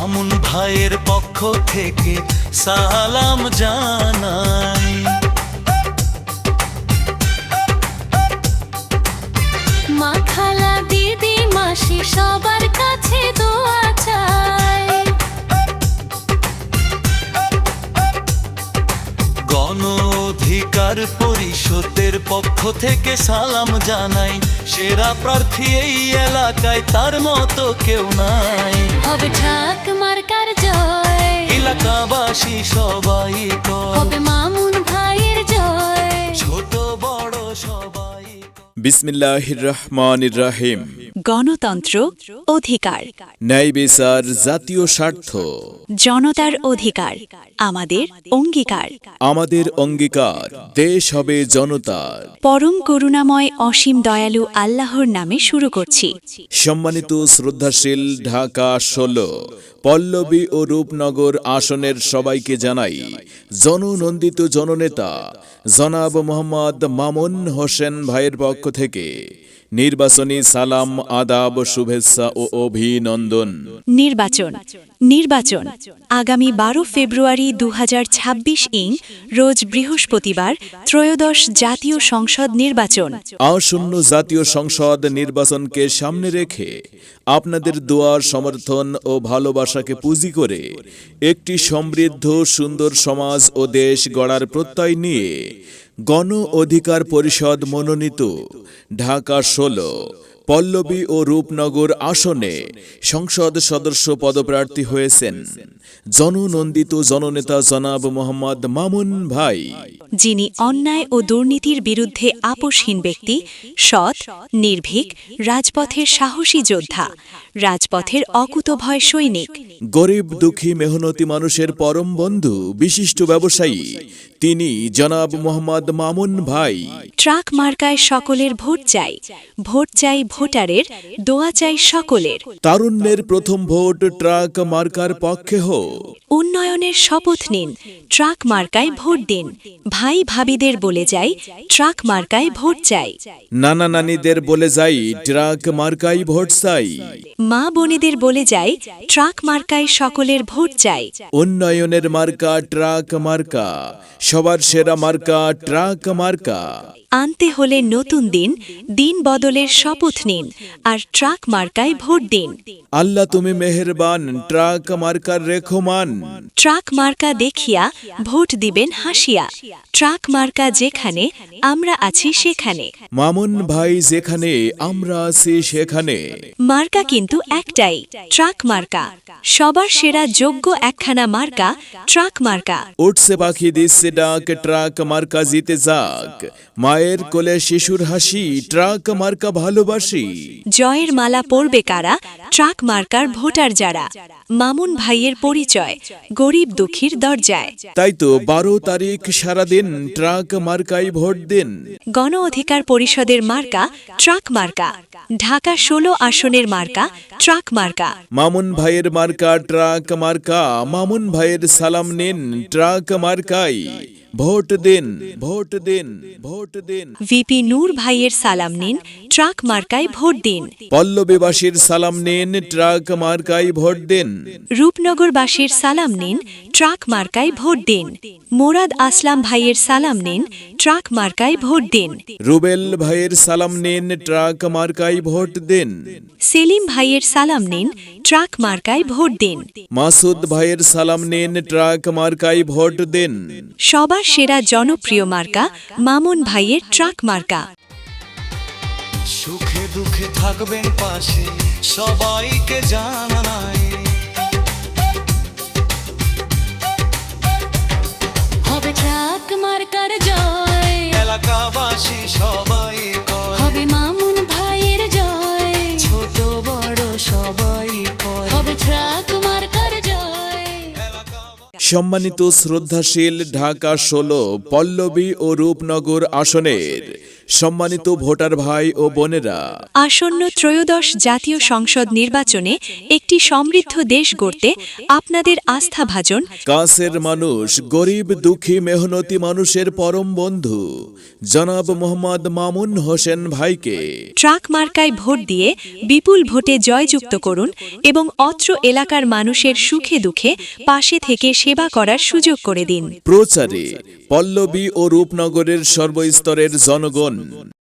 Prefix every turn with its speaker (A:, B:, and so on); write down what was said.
A: মামুন ভাইয়ের পক্ষ থেকে সালাম জানাই।
B: মা খালা দিদি মাসি সবার কাছে দোয়া চাই।
A: গণ অধিকার পরিষদের পক্ষ থেকে সালাম জানাই। সেরা প্রার্থী এই এলাকায়, তার মতো কেউ নাই।
B: হবে ট্রাক মার্কার জয়,
A: এলাকাবাসী সবাই কয়
B: হবে মামুন ভাইয়ের জয়।
A: ছোট বড় সবাই
C: বিসমিল্লাহির রহমানির রহিম।
D: গণতন্ত্র অধিকার,
C: ন্যায় বিচার জাতীয় স্বার্থ,
D: জনতার অধিকার আমাদের অঙ্গীকার।
C: আমাদের অঙ্গীকার দেশ হবে জনতার।
D: পরম করুণাময় অসীম দয়ালু আল্লাহর নামে শুরু করছি।
C: সম্মানিত শ্রদ্ধাশীল ঢাকা ১৬ পল্লবী ও রূপনগর আসনের সবাইকে জানাই জননন্দিত জননেতা জনাব মোহাম্মদ মামুন হোসেন ভাইয়ের পক্ষ থেকে নির্বাচনী সালাম, আদাব, শুভেচ্ছা ও অভিনন্দন।
D: নির্বাচন নির্বাচন আগামী ১২ ফেব্রুয়ারি ২০২৬ রোজ বৃহস্পতিবার ত্রয়োদশ জাতীয় সংসদ নির্বাচন।
C: আসন্ন জাতীয় সংসদ নির্বাচনকে সামনে রেখে আপনাদের দোয়ার সমর্থন ও ভালোবাসাকে পুঁজি করে একটি সমৃদ্ধ সুন্দর সমাজ ও দেশ গড়ার প্রত্যয় নিয়ে গণ অধিকার পরিষদ মনোনীত ঢাকা ১৬ পল্লবী ও রূপনগর আসনে সংসদ সদস্য পদপ্রার্থী হয়েছেন জননন্দিত জননেতা জনাব মোহাম্মদ মামুন ভাই,
D: যিনি অন্যায় ও দুর্নীতির বিরুদ্ধে আপোষহীন ব্যক্তি, সৎ, নির্ভীক, রাজপথের সাহসী যোদ্ধা, রাজপথের অকুতভয় সৈনিক।
C: গরিব দুঃখী মেহনতি মানুষের পরম বন্ধু, বিশিষ্ট ব্যবসায়ী তিনি জনাব মোহাম্মদ মামুন ভাই।
D: ট্রাক মার্কায় সকলের ভোট চাই, ভোট চাই ভোটারের, দোয়া চাই সকলের।
C: তারুণ্যের প্রথম ভোট ট্রাক মার্কার পক্ষে হোক।
D: উন্নয়নের শপথ নিন, ট্রাক মার্কায় ভোট দিন। ভাই ভাবিদের বলে যাই, ট্রাক মার্কায় ভোট চাই।
C: নানা নানিদের বলে যাই, ট্রাক মার্কাই ভোট চাই।
D: মা বোনেদের বলে যাই, ট্রাক মার্কায় সকলের ভোট চাই।
C: উন্নয়নের মার্কা ট্রাক মার্কা, সবার সেরা মার্কা ট্রাক মার্কা।
D: আনতে হলে নতুন দিন, দিন বদলের শপথ নিন, আর ট্রাক মার্কায় ভোট দিন।
C: আল্লাহ তুমি মেহেরবান, ট্রাক মার্কার রেখমান।
D: ট্রাক মার্কা দেখিয়া ভোট দিবেন হাসিয়া। ট্রাক মার্কা যেখানে, আমরা আছি সেখানে।
C: মামুন ভাই যেখানে, আমরা আছি সেখানে।
D: মার্কা কিন্তু একটাই, ট্রাক মার্কা। সবার সেরা যোগ্য একখানা মার্কা, ট্রাক মার্কা।
C: উঠছে পাখি দিচ্ছে ডাক, ট্রাক মার্কা জিতে যাক। মায়ের কোলে শিশুর হাসি, ট্রাক মার্কা ভালোবাসি।
D: জয়ের মালা পরবে কারা, ট্রাক মার্কার ভোটার যারা। মামুন ভাইয়ের পরিচয়, গরিব দুঃখীর দরজায়।
C: তাই তো ১২ তারিখ সারাদিন ট্রাক মার্কাই ভোট দিন।
D: গণ অধিকার পরিষদের মার্কা, ট্রাক মার্কা। ঢাকা ১৬ আসনের মার্কা, ট্রাক মার্কা।
C: মামুন ভাইয়ের মার্কা ট্রাক মার্কা, মামুন ভাইয়ের সালাম নিন, ট্রাক মার্কাই ভোট দিন, ভোট দিন, ভোট দিন।
D: ভিপি নূর ভাইয়ের সালাম নিন, ট্রাক মার্কায় ভোট দিন।
C: পল্লবীবাসীর সালাম নিন, ট্রাক মার্কাই ভোট দিন।
D: রূপনগরবাসীর সালাম নিন, ট্রাক মার্কায় ভোট দিন। মোরাদ আসলাম ভাইয়ের সালাম নিন, ট্রাক মার্কায় ভোট দিন।
C: রুবেল ভাইয়ের সালাম নিন, ট্রাক মার্কাই ভোট দিন।
D: সেলিম ভাইয়ের সালাম নিন, ট্রাক মার্কায় ভোট দিন।
C: মাসুদ ভাইয়ের সালাম নিন, ট্রাক মার্কাই ভোট দিন।
D: সবার সেরা জনপ্রিয় মার্কা, মামুন ভাইয়ের ট্রাক মার্কা।
A: সুখে দুঃখে থাকবেন পাশে, সবাইকে জানাই।
B: হবে ট্রাক মার্কার জয়,
A: এলাকাবাসী সবাই কয়
B: হবে মামুন ভাইয়ের জয়।
A: ছোট বড় সবাই কয়
B: হবে ট্রাক মার্কার জয়।
C: সম্মানিত শ্রদ্ধাশীল ঢাকা ১৬ পল্লবী ও রূপনগর আসনের সম্মানিত ভোটার ভাই ও বোনেরা,
D: আসন্ন ত্রয়োদশ জাতীয় সংসদ নির্বাচনে একটি সমৃদ্ধ দেশ গড়তে আপনাদের আস্থাভাজন,
C: কাছের মানুষ, গরিব দুঃখী মেহনতি মানুষের পরম বন্ধু জনাব মোহাম্মদ মামুন হোসেন ভাইকে
D: ট্রাক মার্কায় ভোট দিয়ে বিপুল ভোটে জয়যুক্ত করুন এবং অত্র এলাকার মানুষের সুখে দুঃখে পাশে থেকে সেবা করার সুযোগ করে দিন।
C: প্রচারে পল্লবী ও রূপনগরের সর্বস্তরের জনগণ।